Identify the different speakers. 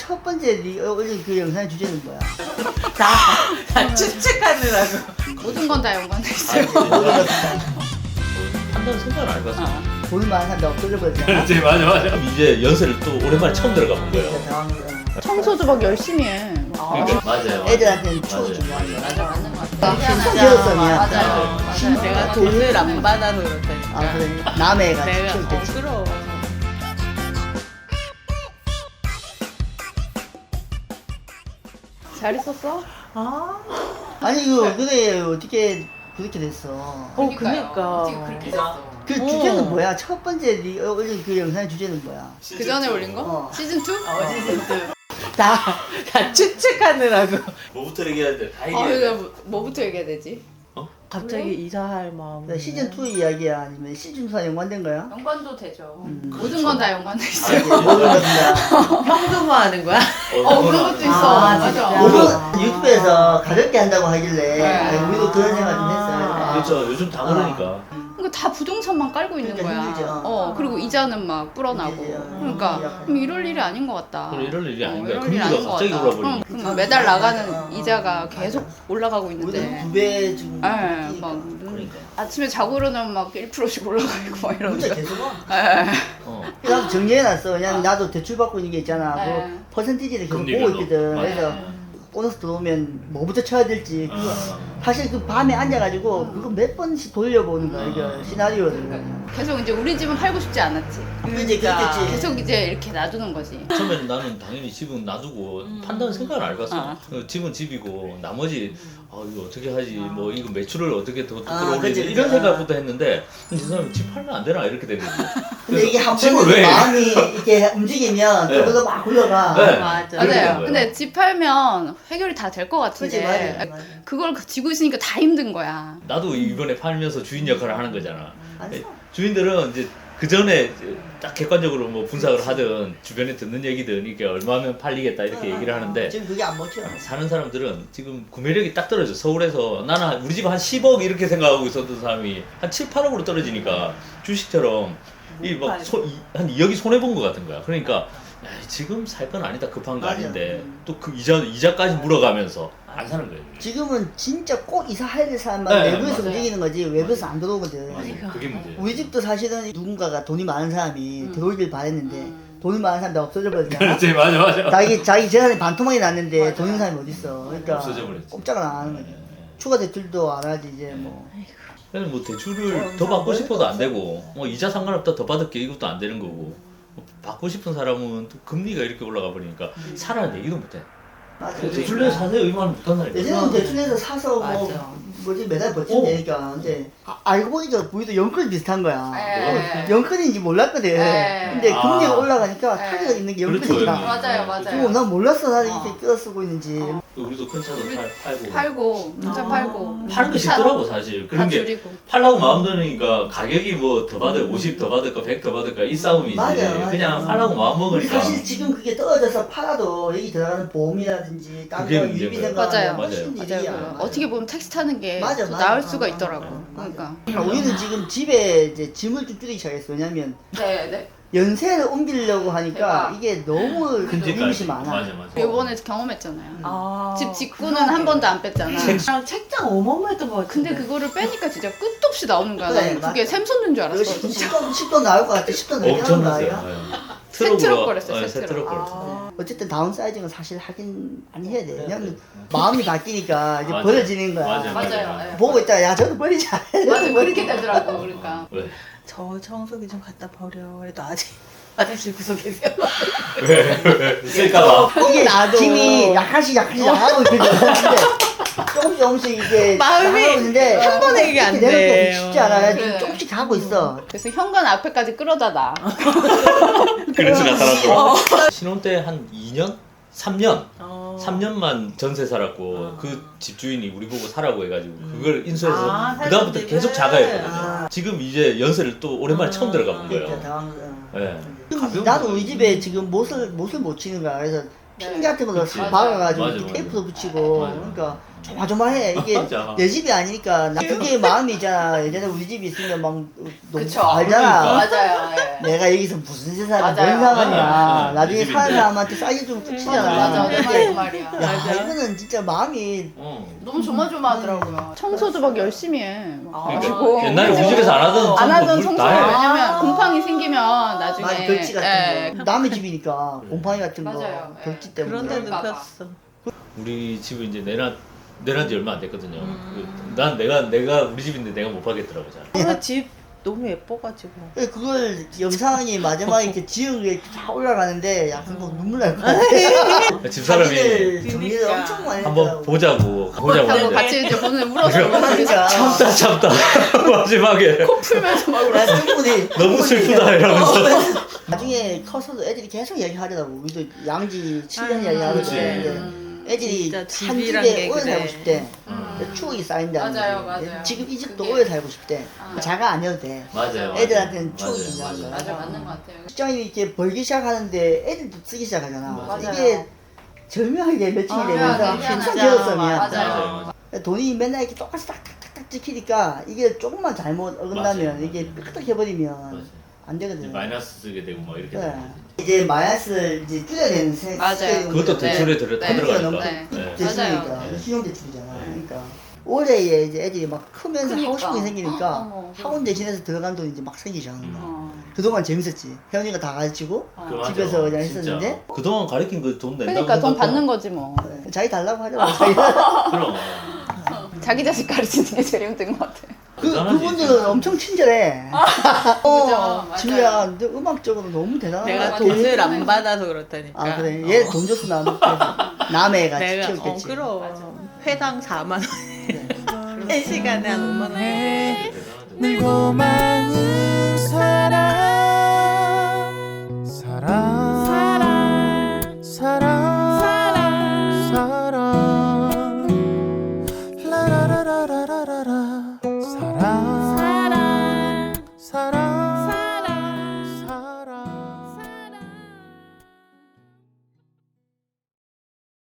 Speaker 1: 첫 번째 네 올린 그 영상의 주제는 뭐야?
Speaker 2: 다 추측하느라고.
Speaker 3: 모든 건 다 연관돼 있어요.
Speaker 4: 한다는 생각을 안 해봤어.
Speaker 1: 볼만 한다 없어져버렸잖아.
Speaker 4: 그렇지, 맞아. 이제 연세를 또 오랜만에 처음 들어가 본 거예요.
Speaker 3: 청소도 막 열심히 해.
Speaker 4: 그러니까 맞아요.
Speaker 1: 애들한테는 추억
Speaker 4: 맞아요.
Speaker 1: 중요한 거야.
Speaker 3: 맞아, 맞는 것 같아.
Speaker 1: 진짜 배웠어요.
Speaker 3: 맞아요.
Speaker 2: 내가 돈을 안 받아서 그렇다니까.
Speaker 1: 아 그래. 남의 애가
Speaker 2: 내가
Speaker 1: 키울 때.
Speaker 2: 그럼.
Speaker 3: 잘 있었어?
Speaker 2: 아,
Speaker 1: 아니 이거 그래 어떻게 그렇게 됐어?
Speaker 2: 그니까.
Speaker 3: 어떻게 그렇게 됐어?
Speaker 1: 그 주제는 뭐야? 첫 번째 네 올린 그 영상의 주제는 뭐야?
Speaker 3: 그 전에 올린 거?
Speaker 1: 어.
Speaker 3: 시즌 2?
Speaker 2: 다 추측하느라고.
Speaker 4: 뭐부터 얘기해야 돼? 다
Speaker 3: 아,
Speaker 4: 얘기해야 돼.
Speaker 3: 그러니까 뭐부터 얘기해야 되지?
Speaker 2: 갑자기 이사할 마음.
Speaker 1: 그러니까 시즌 2 이야기야 아니면 시즌 2와 연관된 거야?
Speaker 3: 연관도 되죠.
Speaker 1: 그렇죠.
Speaker 3: 모든 건 다 연관돼 있어요.
Speaker 1: 모든 것다.
Speaker 2: 평등화하는 거야?
Speaker 3: 그런 것도 있어.
Speaker 2: 아,
Speaker 3: 맞아.
Speaker 2: 진짜.
Speaker 1: 오늘 유튜브에서 가볍게 한다고 하길래
Speaker 3: 네.
Speaker 1: 아니, 우리도 그런 생각 좀 했어요.
Speaker 4: 그렇죠. 요즘 다 그러니까.
Speaker 3: 그러니까 다 부동산만 깔고 있는
Speaker 1: 그러니까
Speaker 3: 거야.
Speaker 1: 힘들죠.
Speaker 3: 그리고 이자는 막 불어나고.
Speaker 1: 힘들죠.
Speaker 3: 그러니까 그럼 이럴 일이 아닌 것 같다.
Speaker 4: 그럼 이럴 일이 아닌 거야.
Speaker 3: 이럴
Speaker 4: 금리가
Speaker 3: 일이 아닌 것
Speaker 4: 갑자기
Speaker 3: 같다.
Speaker 4: 올라버리니까.
Speaker 3: 그럼 매달 나가는 이자가 계속 올라가고
Speaker 1: 우리도
Speaker 3: 있는데.
Speaker 1: 9배 지금
Speaker 3: 예, 막
Speaker 1: 그러니까
Speaker 3: 아침에 자고 일어나면 막 1%씩 올라가고 막
Speaker 1: 문자
Speaker 3: 이러는데.
Speaker 1: 계속 와.
Speaker 3: 예.
Speaker 1: 나도 정리해놨어. 왜냐면 나도 대출 받고 있는 게 있잖아.
Speaker 3: 네.
Speaker 1: 그 퍼센티지를 계속
Speaker 4: 금리별로.
Speaker 1: 보고 있거든.
Speaker 4: 맞아.
Speaker 1: 그래서 보너스 들어오면 뭐부터 쳐야 될지 그거 사실 그 밤에 앉아가지고 그거 몇 번씩 돌려보는 거야. 이거 시나리오를.
Speaker 3: 계속 이제 우리 집은 팔고 싶지 않았지.
Speaker 1: 이제 그렇겠지.
Speaker 3: 계속 이제 이렇게 놔두는 거지.
Speaker 4: 처음에는 나는 당연히 집은 놔두고 판다는 생각을 안 해봤어. 집은 집이고 나머지 이거 어떻게 하지? 뭐 이거 매출을 어떻게 더 끌어올리지?
Speaker 1: 그치,
Speaker 4: 이런
Speaker 1: 그치.
Speaker 4: 생각부터 했는데 이 사람이 집 팔면 안 되나 이렇게 되는 거지.
Speaker 1: 근데 이게 한
Speaker 4: 집을
Speaker 1: 번에
Speaker 4: 왜?
Speaker 1: 마음이 이렇게 움직이면
Speaker 4: 네.
Speaker 1: 그걸로 막 굴러가.
Speaker 4: 네.
Speaker 2: 맞아.
Speaker 4: 그렇게 되는
Speaker 3: 맞아요.
Speaker 4: 거예요.
Speaker 3: 근데 집 팔면 해결이 다 될 것
Speaker 1: 그치,
Speaker 3: 같은데
Speaker 1: 맞아.
Speaker 3: 그걸 지고 있으니까 다 힘든 거야.
Speaker 4: 나도 이번에 팔면서 주인 역할을 하는 거잖아.
Speaker 1: 안 써.
Speaker 4: 주인들은 이제 그 전에 딱 객관적으로 뭐 분석을 하든 주변에 듣는 얘기든 이게 얼마면 팔리겠다 이렇게 얘기를 하는데
Speaker 1: 지금 그게 안 먹혀.
Speaker 4: 사는 사람들은 지금 구매력이 딱 떨어져. 서울에서 나는 우리 집 한 10억 이렇게 생각하고 있었던 사람이 한 7, 8억으로 떨어지니까 주식처럼 한 2억이 손해본 것 같은 거야. 그러니까 야, 지금 살 건 아니다, 급한 거
Speaker 1: 맞아.
Speaker 4: 아닌데 또 그 이자까지 물어가면서 안 사는 거예요.
Speaker 1: 지금은 진짜 꼭 이사해야 될 사람만
Speaker 4: 네,
Speaker 1: 외부에서
Speaker 3: 맞아요.
Speaker 1: 움직이는 거지 외부에서 안 들어오거든.
Speaker 4: 그게 문제예요.
Speaker 1: 우리 집도 사실은 누군가가 돈이 많은 사람이 들어오길 바랬는데 돈이 많은 사람이 없어져 버렸잖아.
Speaker 4: 맞아.
Speaker 1: 자기 재산이 반토막이 났는데 돈 있는 사람이 어딨어. 그러니까
Speaker 4: 없어져 버렸지.
Speaker 1: 꼼짝을 안 하는 거지. 추가 대출도 안 하지 이제 뭐.
Speaker 4: 그래서 뭐 대출을 더 받고 싶어도 안 되고 뭐 이자 상관없다 더 받을게 이것도 안 되는 거고 뭐 받고 싶은 사람은 또 금리가 이렇게 올라가 버리니까 사라는 얘기도 못해.
Speaker 1: 맞아.
Speaker 4: 대출 내서 사세요 이 말은 못한 사람이야.
Speaker 1: 예전에는 대출해서 사서
Speaker 2: 맞아.
Speaker 1: 뭐 뭐지 매달 버티면 되니까 근데 알고 보니까 우리도 연끌 비슷한 거야.
Speaker 3: 네.
Speaker 1: 연끌인지 몰랐거든.
Speaker 3: 네.
Speaker 1: 근데 금리가
Speaker 4: 아.
Speaker 1: 올라가니까
Speaker 3: 네.
Speaker 1: 타격이 있는 게
Speaker 4: 그렇죠,
Speaker 1: 연끌이다.
Speaker 4: 형님.
Speaker 3: 맞아요,
Speaker 1: 그거 난 몰랐어 나는
Speaker 3: 어.
Speaker 1: 이렇게 끌어 쓰고 있는지.
Speaker 4: 우리도 큰 차도 팔고
Speaker 3: 팔고 문자 팔고
Speaker 4: 파는 거 쉽더라고 사실.
Speaker 3: 다
Speaker 4: 그런 게
Speaker 3: 줄이고.
Speaker 4: 팔라고 마음 드니까 가격이 뭐 더 받을 50 더 받을까 100 더 받을까 이 싸움이지.
Speaker 1: 맞아요.
Speaker 4: 그냥 팔라고 마음
Speaker 1: 우리
Speaker 4: 먹으니까.
Speaker 1: 사실 지금 그게 떨어져서 팔아도 여기 들어가는 보험이라든지
Speaker 4: 그게
Speaker 1: 딴거
Speaker 4: 문제인
Speaker 1: 유비
Speaker 4: 거예요.
Speaker 1: 생각하면
Speaker 3: 맞아요.
Speaker 1: 훨씬
Speaker 4: 맞아요.
Speaker 1: 일이야.
Speaker 3: 맞아요. 어떻게 보면 택시 타는 게
Speaker 1: 맞아,
Speaker 3: 더
Speaker 1: 맞아.
Speaker 3: 나을 수가 있더라고.
Speaker 1: 맞아.
Speaker 3: 그러니까.
Speaker 1: 우리는 지금 집에 이제 짐을 좀 줄이기 시작했어. 왜냐면
Speaker 3: 네, 네.
Speaker 1: 연세를 옮기려고 하니까
Speaker 3: 대박.
Speaker 1: 이게 너무 리밋이 많아.
Speaker 4: 맞아.
Speaker 3: 이번에 경험했잖아요.
Speaker 2: 아,
Speaker 3: 집 직구는 한 번도 안 뺐잖아.
Speaker 2: 책장 어마어마했던 것 같은데.
Speaker 3: 근데 그거를 빼니까 진짜 끝도 없이 나오는 거야.
Speaker 1: 그래,
Speaker 3: 나는 그게
Speaker 1: 맞아.
Speaker 3: 샘솟는 줄
Speaker 1: 이거
Speaker 3: 알았어. 진짜.
Speaker 1: 10돈 나올 것 같아. 10돈 넘게
Speaker 4: 엄청
Speaker 1: 하는 거
Speaker 4: 났어요.
Speaker 1: 아니야?
Speaker 3: 새 트럭 거랬어요, 새
Speaker 4: 새
Speaker 3: 트럭.
Speaker 4: 트럭 거랬어.
Speaker 1: 어쨌든 다운사이징은 사실 하긴 많이 해야 돼. 왜냐면 마음이 바뀌니까 이제
Speaker 4: 맞아.
Speaker 1: 버려지는 거야.
Speaker 4: 맞아.
Speaker 3: 맞아요. 네.
Speaker 1: 보고 있다가 야 저도 버리자.
Speaker 3: 맞아, 그렇게 되더라고. 그러니까.
Speaker 4: 왜?
Speaker 2: 저 청소기 좀 갖다 버려. 그래도 아직 화장실 구석에 계세요.
Speaker 4: 왜? 쓸까봐.
Speaker 1: 이게
Speaker 2: 나도.
Speaker 1: 짐이 약간씩 나가고 있거든. 근데 조금씩 이게
Speaker 2: 마음이
Speaker 1: 나가고 있는데
Speaker 2: 한 번에 이게 안
Speaker 1: 이렇게 내놓기
Speaker 2: 돼.
Speaker 1: 쉽지 않아요.
Speaker 3: 그래.
Speaker 1: 조금씩 가고 있어.
Speaker 3: 그래서 현관 앞에까지 끌어다 놔.
Speaker 4: 그래서 나타났더라고. 신혼 때 한 2년? 3년?
Speaker 2: 어.
Speaker 4: 3년만 전세 살았고 그 집주인이 우리 보고 사라고 해가지고 그걸 인수해서
Speaker 2: 아,
Speaker 4: 그다음부터
Speaker 2: 살던
Speaker 4: 계속
Speaker 2: 집을.
Speaker 4: 자가였거든요.
Speaker 1: 아.
Speaker 4: 지금 이제 연세를 또 오랜만에 처음 들어가 본
Speaker 1: 그러니까
Speaker 4: 거예요.
Speaker 1: 당황.
Speaker 4: 네.
Speaker 1: 나도 우리 집에 지금 못을 못 치는 거야. 그래서 핀
Speaker 3: 네.
Speaker 1: 같은 걸로
Speaker 4: 그치.
Speaker 1: 박아가지고
Speaker 4: 맞아,
Speaker 1: 이렇게
Speaker 4: 맞아.
Speaker 1: 테이프도 붙이고
Speaker 4: 맞아.
Speaker 1: 그러니까 조마조마해. 이게
Speaker 4: 맞아.
Speaker 1: 내 집이 아니니까 나 그게 마음이잖아. 예전에 우리 집이 있으면 막 너무
Speaker 3: 그쵸.
Speaker 1: 알잖아.
Speaker 3: 맞아요. 예.
Speaker 1: 내가 여기서 무슨 세상에 뭔
Speaker 3: 맞아요.
Speaker 1: 상관이야.
Speaker 4: 네,
Speaker 1: 나중에
Speaker 4: 네,
Speaker 1: 사는
Speaker 4: 집인데.
Speaker 1: 사람한테 싸게 주면 끝이잖아.
Speaker 3: 맞아. 내 말이 그
Speaker 1: 이게
Speaker 3: 말이야.
Speaker 1: 야 이거는 진짜 마음이
Speaker 3: 너무 조마조마하더라고요. 청소도 막 열심히 해. 막
Speaker 2: 아.
Speaker 3: 가지고.
Speaker 4: 옛날에 우리 집에서 안 하던
Speaker 3: 안 하던
Speaker 4: 물
Speaker 3: 청소.
Speaker 4: 다 해.
Speaker 3: 왜냐면 곰팡이 생기면 나중에.
Speaker 1: 많이 벽지 같은
Speaker 3: 예.
Speaker 1: 거 남의 집이니까 곰팡이 같은 거
Speaker 3: 맞아요. 예.
Speaker 1: 벽지 때문에
Speaker 2: 그런 데
Speaker 3: 그럴까 봐.
Speaker 2: 눕혔어.
Speaker 4: 우리 집을 이제 내놔 지 얼마 안 됐거든요. 난 내가 우리 집인데 내가 못 파겠더라고 잘.
Speaker 2: 오늘 집 너무 예뻐가지고.
Speaker 1: 그걸 영상이 마지막에 이렇게 지은 게 다 올라가는데 약간 뭐 눈물 날 것 같아.
Speaker 4: 집사람이
Speaker 1: 자기들 정리를
Speaker 2: 그러니까.
Speaker 1: 엄청 많이
Speaker 4: 한번
Speaker 1: 했더라고.
Speaker 4: 보자고
Speaker 3: 하고
Speaker 4: 했는데
Speaker 3: 같이 이제 오늘 울었어.
Speaker 1: 그러니까
Speaker 4: 참다 마지막에
Speaker 3: 코 풀면서 막 울었어.
Speaker 1: 나 충분히
Speaker 4: 너무 슬프다 이러면서
Speaker 1: 나중에 커서도 애들이 계속 얘기하더라고. 우리도 양지 7년
Speaker 2: 아,
Speaker 1: 얘기하는데
Speaker 4: 그치.
Speaker 1: 애들이
Speaker 2: 진짜
Speaker 1: 한
Speaker 2: 집이란
Speaker 1: 집에
Speaker 2: 게
Speaker 1: 오래
Speaker 2: 그래.
Speaker 1: 살고 싶대.
Speaker 3: 음.
Speaker 1: 추억이 쌓인다는
Speaker 3: 맞아요,
Speaker 1: 거지.
Speaker 3: 맞아요.
Speaker 1: 지금 이 집도
Speaker 3: 그게-
Speaker 1: 오래 살고 싶대.
Speaker 3: 아.
Speaker 1: 자가 아니어도 돼.
Speaker 4: 맞아요.
Speaker 1: 애들한테는
Speaker 4: 맞아요.
Speaker 1: 추억이 있는 거야.
Speaker 3: 맞아, 맞는 것 같아요.
Speaker 1: 직장이 이렇게 벌기 시작하는데 애들도 쓰기 시작하잖아.
Speaker 4: 맞아요.
Speaker 1: 이게 절묘하게 매칭이
Speaker 3: 아,
Speaker 1: 되면서
Speaker 3: 맞아요.
Speaker 1: 항상
Speaker 3: 진짜.
Speaker 1: 제로섬이야.
Speaker 3: 맞아요.
Speaker 1: 돈이 맨날 이렇게 똑같이 탁탁탁 찍히니까 이게 조금만 잘못 어긋나면
Speaker 4: 맞아요.
Speaker 1: 이게 삐끗해버리면
Speaker 4: 맞아요.
Speaker 1: 안
Speaker 4: 이제
Speaker 1: 되거든.
Speaker 4: 마이너스 쓰게 되고 막 이렇게
Speaker 1: 네.
Speaker 4: 되고.
Speaker 1: 이제 마이너스를 이제 줄여내는
Speaker 3: 맞아요.
Speaker 4: 그것도
Speaker 3: 네.
Speaker 4: 대출에
Speaker 3: 네.
Speaker 4: 다 들어가니까.
Speaker 3: 네.
Speaker 4: 네.
Speaker 1: 대출이니까
Speaker 3: 맞아요.
Speaker 1: 신용 대출이잖아.
Speaker 4: 네.
Speaker 1: 그러니까 올해에 이제 애들이 막 크면서 하고 싶은 게
Speaker 3: 그러니까.
Speaker 1: 생기니까
Speaker 3: 어머.
Speaker 1: 학원 대신해서 들어간 돈이 이제 막 생기기 시작하는 거야.
Speaker 3: 어.
Speaker 1: 그동안 재밌었지. 혜연이가 다 가르치고
Speaker 4: 그 맞아.
Speaker 1: 집에서 그냥
Speaker 4: 진짜.
Speaker 1: 했었는데
Speaker 4: 그동안 가르친 그 돈 낸다고
Speaker 3: 그러니까 돈
Speaker 4: 생각하고.
Speaker 3: 받는 거지 뭐.
Speaker 1: 네. 자기 달라고 하더라고. 자기가.
Speaker 4: 그럼
Speaker 3: 자기 자식 가르치는 게 제일 힘든 것 같아.
Speaker 4: 대단하지,
Speaker 1: 그분들은
Speaker 4: 진짜.
Speaker 1: 엄청 친절해.
Speaker 3: 그죠, 맞아요.
Speaker 1: 지우야, 너 음악적으로 너무 대단하다.
Speaker 2: 내가
Speaker 3: 맞아.
Speaker 2: 돈을 안 받아서 그렇다니까.
Speaker 1: 아 그래. 얘 돈 줬어 나는. 남해가
Speaker 2: 내가
Speaker 1: 키웠겠지.
Speaker 2: 그럼 회당 4만 원.
Speaker 1: 네.
Speaker 2: 1시간에 한 5만 원.
Speaker 5: 늘 고마운 사랑 사랑 사랑 라라라라라라라 사랑